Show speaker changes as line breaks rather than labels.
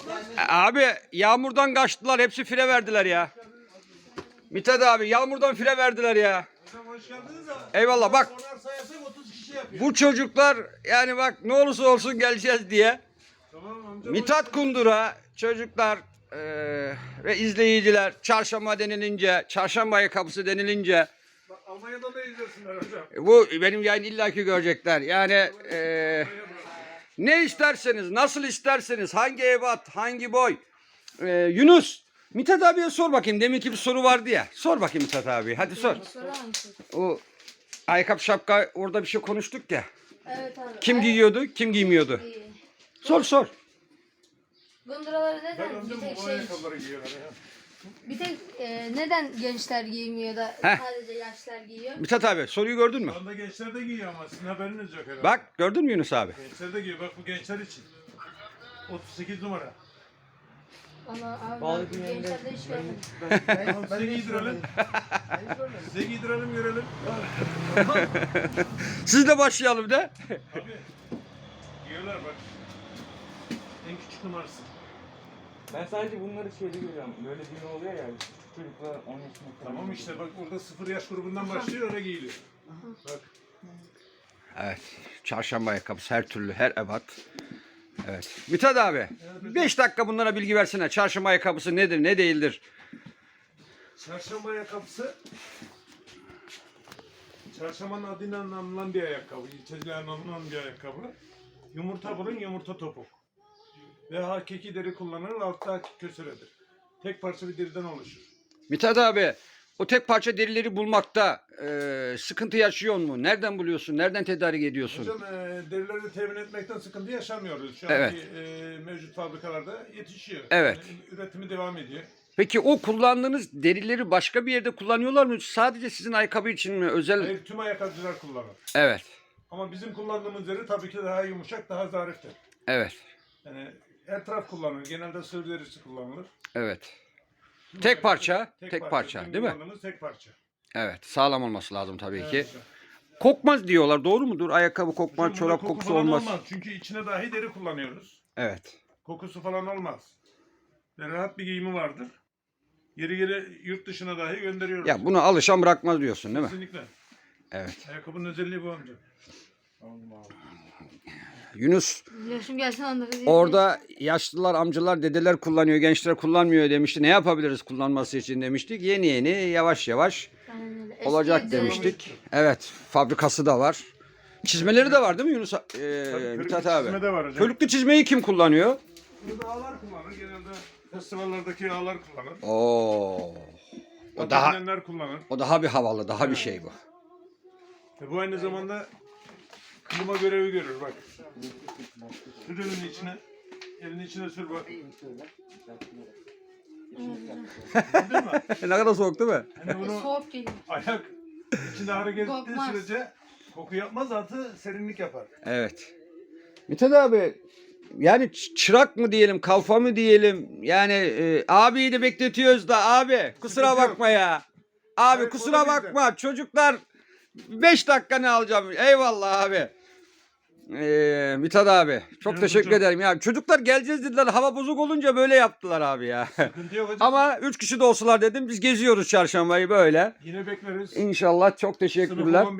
Abi yağmurdan kaçtılar. Hepsi fire verdiler ya. Mithat abi yağmurdan fire verdiler ya.
Hocam hoş geldiniz de.
Eyvallah bak.
Onar sayasak 30 kişi yapıyor.
Bu çocuklar yani bak ne olursa olsun geleceğiz diye.
Tamam amca.
Mithat Kundura çocuklar ve izleyiciler çarşamba denilince, çarşamba ayakkabısı denilince
Bak, Almanya'da da izlesinler hocam.
bu benim yayın illaki görecekler. Yani ne isterseniz, nasıl isterseniz, hangi ebat, hangi boy. Yunus, Mithat abiye sor bakayım. Deminki bir soru vardı ya. Sor bakayım Mithat abi. Hadi sor. O ayakkabı şapka orada bir şey konuştuk ya.
Evet abi.
Kim giyiyordu, kim giymiyordu? Sor sor.
Gunduraları
Ben
neden
amcam
bir tek
bu
şey,
ayakkabıları giyiyorlar ya.
bir tek neden gençler giymiyor da
Heh.
sadece yaşlar giyiyor?
Mithat abi soruyu gördün mü?
Şu anda gençler de giyiyor ama sizin haberiniz yok herhalde.
Bak gördün mü Yunus abi?
Gençler de giyiyor. Bak bu gençler için. 38 numara.
Ama abi ben gençlerde hiç görmedim.
Tamam, size giydirelim. Size giydirelim görelim.
Siz de başlayalım de.
Abi. Giyiyorlar bak. En küçük numarası.
Ben sadece bunları şeyde görüyorum. Böyle düğün oluyor ya. Küçük çocuklar 10 yaşında falan.
Tamam işte bak burada 0 yaş grubundan başlıyor öyle giyiliyor. Bak.
Evet. Çarşamba ayakkabısı her türlü, her ebat. Evet. Mithat abi 5 dakika bunlara bilgi versene. Çarşamba ayakkabısı nedir, ne değildir?
Çarşamba ayakkabısı Çarşambanın adıyla anılan bir ayakkabı. İlçesiyle anılan bir ayakkabı. Yumurta burun, yumurta topuk. Ve hakiki deri kullanılır, altta hakiki kösüredir. Tek parça bir deriden oluşur.
Mithat abi o tek parça derileri bulmakta sıkıntı yaşıyor mu? Nereden buluyorsun? Nereden tedarik ediyorsun?
Hocam derileri temin etmekten sıkıntı yaşamıyoruz. Şu
Evet.
anki mevcut fabrikalarda yetişiyor.
Evet.
Yani üretimi devam ediyor.
Peki o kullandığınız derileri başka bir yerde kullanıyorlar mı? Sadece sizin ayakkabı için mi? Özel.
Hayır, tüm ayakkabıcılar kullanır.
Evet.
Ama bizim kullandığımız deri tabii ki daha yumuşak, daha zariftir.
Evet.
Yani her taraf kullanılır. Genelde sığır derisi kullanılır.
Evet.
Tüm
Tek
ayakkabı-
parça, tek parça,
Bizim
değil mi?
kullandığımız tek parça.
Evet. Sağlam olması lazım tabii ki.
Evet hocam.
Kokmaz diyorlar. Doğru mudur? Ayakkabı kokmaz,
Hocam bunda
çorap
koku
kokusu
falan
olmaz.
Çünkü içine dahi deri kullanıyoruz.
Evet.
Kokusu falan olmaz. Ve rahat bir giyimi vardır. Yeri geri yurt dışına dahi gönderiyoruz.
Ya bunu alışan bırakmaz diyorsun değil mi?
Kesinlikle.
Evet.
Ayakkabının özelliği bu amca.
Yunus
Yaşım gelsin anlarız.
orada yaşlılar, amcalar, dedeler kullanıyor, gençler kullanmıyor demişti. Ne yapabiliriz kullanması için demiştik. Yeni yeni, yavaş yavaş olacak demiştik. Evet, fabrikası da var. Çizmeleri de var değil mi Yunus? Mithat abi.
Çizme de var hocam.
Körüklü çizmeyi kim kullanıyor?
Burada ağlar kullanır. Genelde festivallerdeki ağlar kullanır.
Oo.
Atabilenler kullanır.
O daha bir havalı, daha bir şey bu.
Ve bu aynı zamanda klima görevi görür bak. Sür elinin içine. Elinin içine sür bak. Değil mi?
Ne kadar soğuk değil mi?
Hani bunu
Soğuk geliyor.
ayak içinde hareket ettiği
Kokmaz.
sürece koku yapmaz, artı serinlik yapar.
Evet. Mithat abi yani çırak mı diyelim, kalfa mı diyelim? Yani abiyi de bekletiyoruz da abi kusura
Sıkıntı yok.
bakma ya. Abi
Hayır,
kusura
o da bizde.
bakma. Çocuklar 5 dakika ne alacağım? Eyvallah abi. Mithat abi çok
Evet
teşekkür
hocam.
ederim ya. Çocuklar geleceğiz dediler. Hava bozuk olunca böyle yaptılar abi ya.
Sıkıntı yok hocam.
Ama 3 kişi de olsalar dedim biz geziyoruz çarşambayı böyle.
Yine bekleriz.
İnşallah çok
Sınıf
teşekkürler.
olan